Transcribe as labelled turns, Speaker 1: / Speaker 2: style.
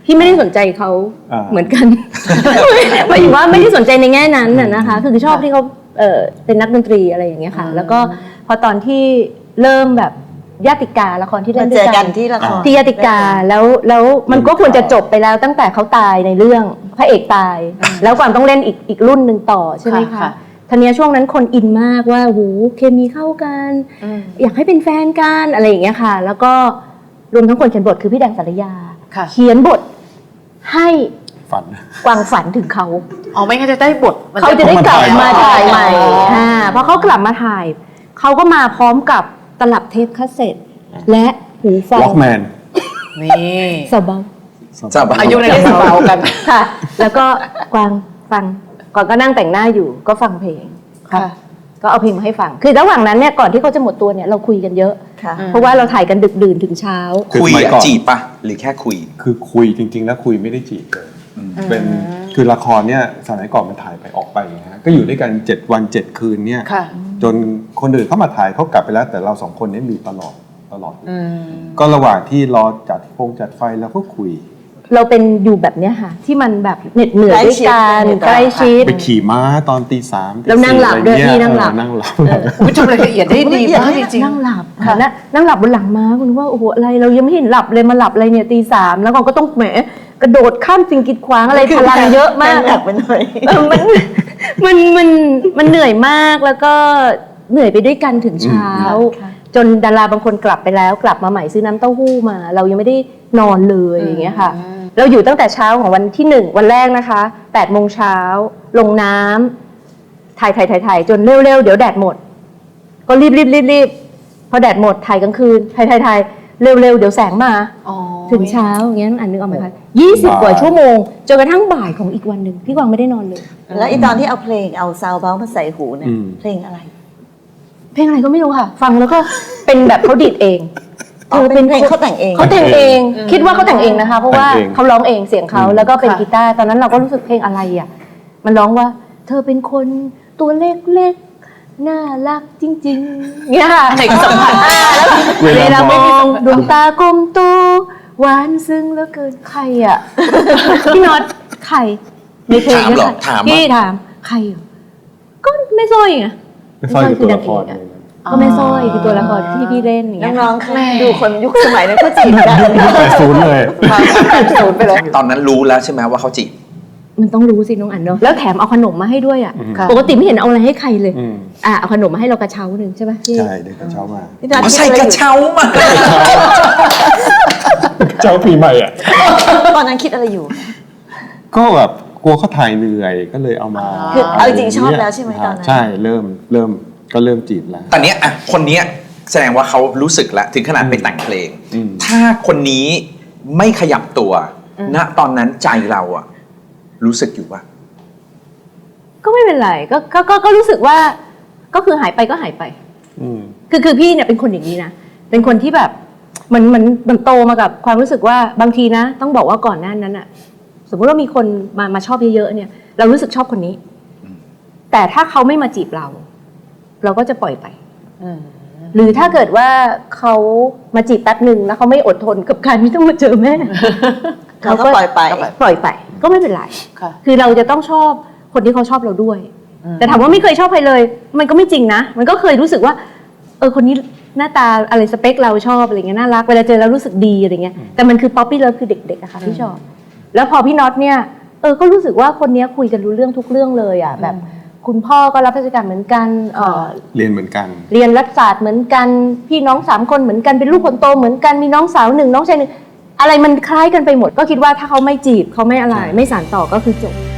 Speaker 1: พี่ไม่ได้สนใจเขาเหมือนกันหมายถึงว่าไม่ได้สนใจในแง่นั้นนะคะคือชอบที่เขาเป็นนักดนตรีอะไรอย่างเงี้ยค่ะแล้วก็พอตอนที่เริ่มแบบญาติกาละครที่เล่นด้วยกันที่ละครที่ญาติกาแล้วมันก็ควรจะจบไปแล้วตั้งแต่เขาตายในเรื่องพระเอกตายแล้วความต้องเล่นอีกรุ่นหนึ่งต่อใช่ไหมคะทีนี้ช่วงนั้นคนอินมากว่าโหเคมีเข้ากันอยากให้เป็นแฟนกันอะไรอย่างเงี้ยค่ะแล้วก็รวมทั้งคนเขียนบทคือพี่แดงสารยาเขียนบทให้กวางฝันถึงเขา
Speaker 2: ไม่งั้นจะได้บท
Speaker 1: เขาจะได้กลับมาถ่ายใหม่เพราะเขากลับมาถ่ายเขาก็มาพร้อมกับตลับเทปคาสเซ็ตและหูฟัง
Speaker 3: ล็อกแมน
Speaker 2: นี่
Speaker 1: สบาย
Speaker 2: อายุในสบายกัน
Speaker 1: ค่ะแล้วก็กวางฟังก่อนก็นั่งแต่งหน้าอยู่ก็ฟังเพลงค่ะก็เอาเพลงมาให้ฟังคือระหว่างนั้นเนี่ยก่อนที่เขาจะหมดตัวเนี่ยเราคุยกันเยอะเพราะว่าเราถ่ายกันดึกดื่นถึงเช้า
Speaker 4: คุยจีบปะหรือแค่คุย
Speaker 3: คือคุยจริงๆแล้วคุยไม่ได้จีบเลยเป็นคือละครเนี่ยสมัยก่อนมันถ่ายไปออกไปนะฮะก็อยู่ด้วยกัน7 วัน 7 คืนเนี่ยจนคนอื่นเข้ามาถ่ายเขากลับไปแล้วแต่เรา2 คนนี้อยู่ตลอดก็ระหว่างที่รอจัดไฟแล้วก็คุย
Speaker 1: เราเป็นอยู่แบบเนี้ยค่ะที่มันแบบเหน็ดเหนื่อยด้วยกันใกล้ชิด
Speaker 3: ไปขี่ม้าตอนตี 3
Speaker 1: แล้วนั่งหลับด้วยพี่นั่งหลับ
Speaker 2: คุณจำรายละเอียดได้ดีมากจริง
Speaker 1: นั่งหลับค่ะนั่งหลับบนหลังม้าคุณว่าโอ้โหอะไรเรายังไม่เห็นหลับเลยมาหลับอะไรเนี่ยตี 3แล้วก็ต้องแหมกระโดดข้ามสิ่งกีดขวางอะไรพลังเยอะมาก
Speaker 2: หนักไปหน่อย
Speaker 1: มันเหนื่อยมากแล้วก็เหนื่อยไปด้วยกันถึงเช้าจนดาราบางคนกลับไปแล้วกลับมาใหม่ซื้อน้ำเต้าหู้มาเรายังไม่ได้นอนเลยอย่างเงี้ยค่ะเราอยู่ตั้งแต่เช้าของวันที่1วันแรกนะคะ8 โมงเช้าลงน้ำถ่ายจนเร็วๆเดี๋ยวแดดหมดก็รีบพอแดดหมดถ่ายกลางคืนถ่ายเร็วๆเดี๋ยวแสงมาถึงเช้าอย่างเงี้ยอันนึกออกไหมคะ20 กว่าชั่วโมงจนกระทั่งบ่ายของอีกวันหนึ่งพี่กวางไม่ได้นอนเลย
Speaker 5: แล้วตอนที่เอาเพลงเอาซาวด์เบลมาใส่หูเนี่ยเพลงอะไร
Speaker 1: ก็ไม่รู้ค่ะฟังแล้วก็เป็นแบบเขาดีดเอง
Speaker 5: เป็นเพลงเขาแต่งเอง
Speaker 1: คิดว่าเขาแต่งเองนะคะเพราะว่าเขาร้องเองเสียงเขาแล้วก็เป็นกีตาร์ตอนนั้นเราก็รู้สึกเพลงอะไรอ่ะมันร้องว่าเธอเป็นคนตัวเล็กๆน่ารักจริงๆเนี่ยค่ะ
Speaker 2: เด็กสัมผัส
Speaker 1: เวลามองดวงตากลมโตหวานซึ้งแล้วเกินใครอ่ะพี่น็อตใครในเพลง
Speaker 4: นะคะ
Speaker 1: พี่ถามใครก็ไม่ซ้อยไง
Speaker 3: ไม่ซ้อยคือตัวละคร
Speaker 1: ก็ไม่ซ้อยคือตัวละครที่พี่เล่นอย่างเงี้ย
Speaker 5: น้องๆดูคนยุคสมัยนั้นก็จีบกัน
Speaker 3: 80เลย
Speaker 2: 80ไปเลย
Speaker 4: ตอนนั้นรู้แล้วใช่ไหมว่าเขาจีบ
Speaker 1: มันต้องรู้สิน้องอันเนาะแล้วแถมเอาขนมมาให้ด้วยอ่ะปกติไม่เห็นเอาอะไรให้ใครเลยเอาขนมมาให้เรากระเช้าหนึ่งใช่ไหม
Speaker 3: ใช่เด็กกระเช้ามา
Speaker 4: ใส่กระเช้ามา
Speaker 3: เจ้าปีใหม่อ่ะ
Speaker 5: ตอนนั้นคิดอะไรอยู่
Speaker 3: ก็แบบกลัวเขาถ่ายเหนื่อยก็เลยเอามา
Speaker 5: คือเอาจริงชอบแล้วใช่ไหมตอนนั้น
Speaker 3: ใช่เริ่มจีบแล้ว
Speaker 4: ตอนนี้อ่ะคนนี้แสดงว่าเขารู้สึกแล้วถึงขนาดไปแต่งเพลงถ้าคนนี้ไม่ขยับตัวณตอนนั้นใจเราอะรู้สึกอยู่ว่า
Speaker 1: ก็ไม่เป็นไรก็รู้สึกว่าก็คือหายไปก็หายไปคือพี่เนี่ยเป็นคนอย่างนี้นะเป็นคนที่แบบมันโตมากับความรู้สึกว่าบางทีนะต้องบอกว่าก่อนหน้านั้นอะสมมติว่ามีคนมาชอบเยอะๆเนี่ยเรารู้สึกชอบคนนี้แต่ถ้าเขาไม่มาจีบเราก็จะปล่อยไปหรือถ้าเกิดว่าเขามาจีบแป๊บหนึ่งแล้วเขาไม่อดทนกับการที่ต้องมาเจอแม่
Speaker 5: เขาก็ปล่อย
Speaker 1: ไปก็ไม่เป็นไรคือเราจะต้องชอบคนที่เขาชอบเราด้วยแต่ถามว่าไม่เคยชอบใครเลยมันก็ไม่จริงนะมันก็เคยรู้สึกว่าคนนี้หน้าตาอะไรสเปคเราชอบอะไรเงี้ยน่ารักเวลาเจอแล้วรู้สึกดีอะไรเงี้ยแต่มันคือป๊อปปี้เลิฟคือเด็กๆอะค่ะที่ชอบแล้วพอพี่น็อตเนี่ยก็รู้สึกว่าคนนี้คุยกันรู้เรื่องทุกเรื่องเลยอะแบบคุณพ่อก็รับราชการเหมือนกัน
Speaker 3: เรียนเหมือนกัน
Speaker 1: เรียนรัฐศาสตร์เหมือนกันพี่น้อง3 คนเหมือนกันเป็นลูกคนโตเหมือนกันมีน้องสาว1น้องชาย1อะไรมันคล้ายกันไปหมดก็คิดว่าถ้าเขาไม่จีบเขาไม่อะไรไม่สานต่อก็คือจบ